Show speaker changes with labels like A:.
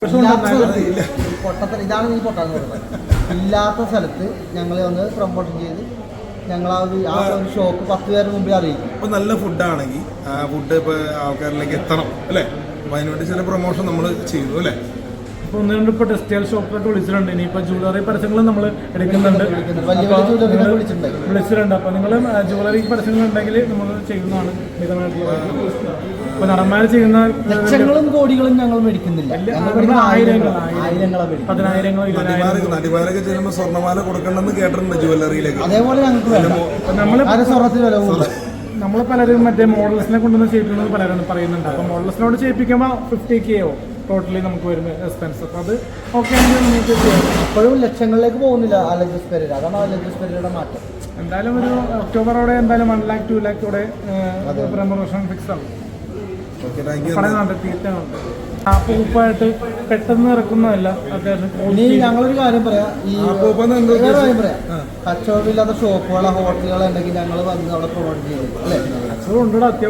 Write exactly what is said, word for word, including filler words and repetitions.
A: പൊട്ടത്തര ഇതാണ് ഈ പൊട്ടാന്ന് പറയുന്നത്. ഇല്ലാത്ത സ്ഥലത്ത് ഞങ്ങൾ ഒന്ന് പ്രൊമോഷൻ ചെയ്ത് ഞങ്ങൾ ആ ഒരു ആ ഒരു ഷോപ്പ് പത്ത് പേരുടെ മുമ്പിൽ അറിയിക്കും.
B: ഇപ്പോൾ നല്ല ഫുഡാണെങ്കിൽ ആ ഫുഡ് ഇപ്പോൾ ആൾക്കാരിലേക്ക് എത്തണം അല്ലേ? അപ്പോൾ അതിനുവേണ്ടി ചില പ്രൊമോഷൻ നമ്മൾ ചെയ്യുന്നു അല്ലേ?
C: ഇപ്പോൾ ഒന്ന് രണ്ട് ഇപ്പോൾ ടെക്സ്റ്റൈൽ ഷോപ്പിലൊക്കെ വിളിച്ചിട്ടുണ്ട്. ഇനിയിപ്പോൾ ജ്വല്ലറി പരസ്യങ്ങളും നമ്മൾ എടുക്കുന്നുണ്ട്, വിളിച്ചിട്ടുണ്ട്. അപ്പോൾ നിങ്ങൾ ജ്വല്ലറി പരസ്യങ്ങൾ ഉണ്ടെങ്കിൽ നമ്മൾ ചെയ്യുന്നതാണ്. ഇപ്പോൾ നടന്മാർ ചെയ്യുന്ന
A: ലക്ഷങ്ങളും കോടികളും ഞങ്ങൾ മേടിക്കുന്നില്ല,
C: ആയിരങ്ങൾ
A: ആയിരങ്ങളെ
C: പതിനായിരങ്ങൾ
B: നടിമാരൊക്കെ ചെയ്യുമ്പോൾ സ്വർണ്ണമാല കൊടുക്കണമെന്ന് കേട്ടിട്ടുണ്ട് ജ്വല്ലറിയിലേക്ക്.
A: അതേപോലെ ഞങ്ങൾക്ക് നമ്മൾ സ്വർണ്ണത്തിന് വില കൂടുതൽ.
C: നമ്മൾ പലരും മറ്റേ മോഡൽസിനെ കൊണ്ടുവന്ന് ചെയ്യിപ്പിക്കുന്നത് പലരും പറയുന്നുണ്ട്. അപ്പോൾ മോഡൽസിനോട് ചെയ്യിപ്പിക്കുമ്പോൾ ഫിഫ്റ്റി കെ ആവും ടോട്ടലി നമുക്ക് വരുന്ന എക്സ്പെൻസ്. അപ്പോൾ അത് ഓക്കെ ആണെങ്കിൽ നമുക്ക് ചെയ്യാം.
A: ഇപ്പോഴും ലക്ഷങ്ങളിലേക്ക് പോകുന്നില്ല അലജസ് പെരേര, അതാണ് അലജസ് പെരേരയുടെ മാറ്റം.
C: എന്തായാലും ഒരു ഒക്ടോബറോടെ എന്തായാലും വൺ ലാക്ക് ടു ലാക്കോടെ പ്രമോഷൻ ഫിക്സ് ആവും. പറയുന്നുണ്ട്, തീർച്ചയായുണ്ട്. ആ പൂപ്പായിട്ട് പെട്ടെന്ന് ഇറക്കുന്നതല്ല.
A: ഇനി ഞങ്ങളൊരു കാര്യം പറയാം, ഈ കാര്യം പറയാം, കച്ചവടമില്ലാത്ത ഷോപ്പുകളോ ഹോട്ടലുകളോ ഉണ്ടെങ്കിൽ ഞങ്ങൾ വന്ന് അവിടെ പ്രൊമോട്ട് ചെയ്യും അല്ലേ?
C: കച്ചവടം ഉണ്ടോ?